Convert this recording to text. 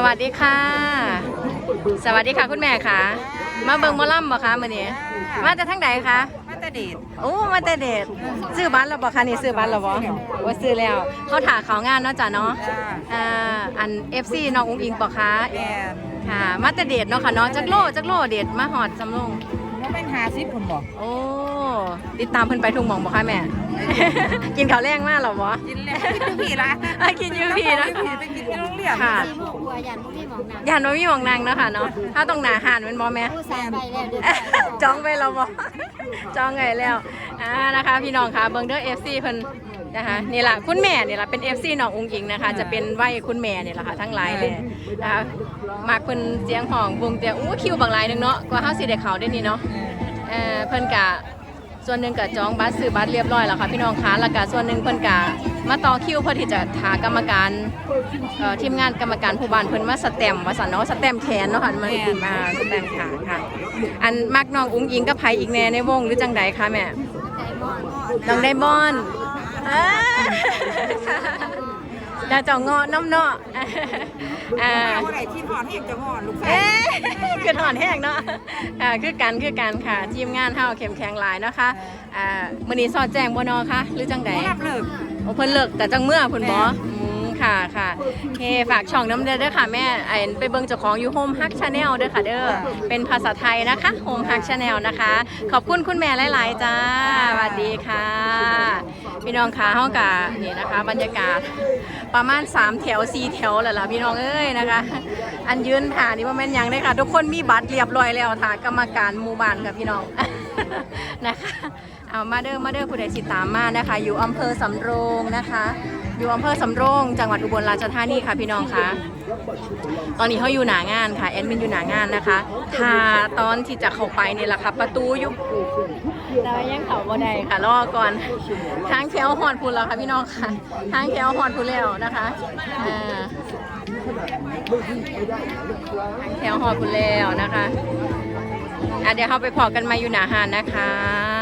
วัสดีค่ะสวัสดีค่ะคุณแม่ค่ะมาเบิ่งหมอลำบ่คะมื้อนี้มาจากทางใดคะมาตาเดชโอ้มาแต่เดชซื้อบัตรแล้วบ่คะนี่ซื้อบัตรแล้วบ่ว่าซื้อแล้วเขาถ่าเขางานเนาะจ้ะเนาะอัน FC น้องอุ้งอิงบ่คะแม่ค่ะมาแต่เดชเนาะค่ะเนาะจักโลเดชมาฮอดสำโรงว่าเป็น50คนบอกโอ้ติดตามเพิ่นไปทุกหม่องบ่คะแม่ กินข้าวแรงมากหรอบ่กินแล้วกินอยู่พี่ละกินอยู่พี่นะไปกินที่โรงเรียนค่ะหมู่กลัวยันพวกที่หมองนางยันว่ามีหม่องนางเนาะค่ะเนาะถ้าต้องหน้าหานแม่นบ่แม่ผู้สาวไปแล้วเดี๋ยวจองไปแล้วบ่ จองไงแล้วนะคะพี่น้องค่ะเบิ่งเด้อ FC เพิ่นนะคะนี่ล่ะคุณแม่นี่ล่ะเป็น FC น้องอุ้งอิงนะคะจะเป็นไหวคุณแม่นี่ล่ะค่ะทั้งหลายเลยนะคะมักเพิ่นเสียงห้องวงแต่อู้คิวบางหลายนึงเนาะกว่าเฮาสิได้เข้าได้นี่เนาะเพิ่นกะส่วนหนึ่งก็จองบัตรซื้อบัตรเรียบร้อยแล้วค่ะพี่น้องคะแล้วก็ส่วนหนึ่งเพิ่นกะมาต่อคิวเพื่อที่จะหากรรมการทีมงานกรรมการผู้บ้านเพิ่นมาสแตมป์ว่าซั่นเนาะสแตมป์แขนเนาะค่ะมันมาสแตมป์ขาค่ะอันมักน้องอุ้งอิงกับไผอีกแน่ในวงหรือจังใดคะแม่น้องไดมอนด์ดาวเจ้าเงาะน้ำเนาะว่าไหนที่หอนแห้งจะหอนลูกชายคือถอนแห้งเนาะคือกันค่ะทีมงานเฮาเข้มแข็งหลายนะคะมื้อนี้สอดแจ้งบ่เนาะคะหรือจังใดรับเลิกโอ้เพิ่นเลิกแต่จังเมื่อเพิ่นบ่ค่ะโอเคฝากช่องน้ำเด้อค่ะแม่ไปเบิ่งเจ้าของอยู่ Home Hug Channel เด้อค่ะเด้อเป็นภาษาไทยนะคะ Home Hug Channel นะคะขอบคุณคุณแม่หลายๆจ้าสวัสดีค่ะพี่น้องคะเฮากะนี่นะคะบรรยากาศประมาณ3แถว4แถวแล้วล่ะพี่น้องเอ้ยนะคะอันยืนถ่านี่บ่แม่นหยังเด้อค่ะทุกคนมีบัตรเรียบร้อยแล้วถ่ากรรมการหมู่บ้านค่ะพี่น้อง นะคะเอามาเด้อผู้ใดสิตามมานะคะอยู่อำเภอสำโรงนะคะอยู่อำเภอสำโรงจังหวัดอุบลราชธานีค่ะพี่น้องคะตอนนี้เขาอยู่หนางานค่ะแอดมินอยู่หนางานนะคะถ้าตอนที่จะเข้าไปนี่แหละค่ะประตูยุบแต่ยังเขาบ่ได้ค่ะรอก่อนทางแถวหอดพูนแล้วค่ะพี่น้องค่ะทางแถวหอดพูนแล้วนะคะทางแถวหอดพูนแล้วนะคะเดี๋ยวเราไปพอกันมาอยู่หนาหานนะคะ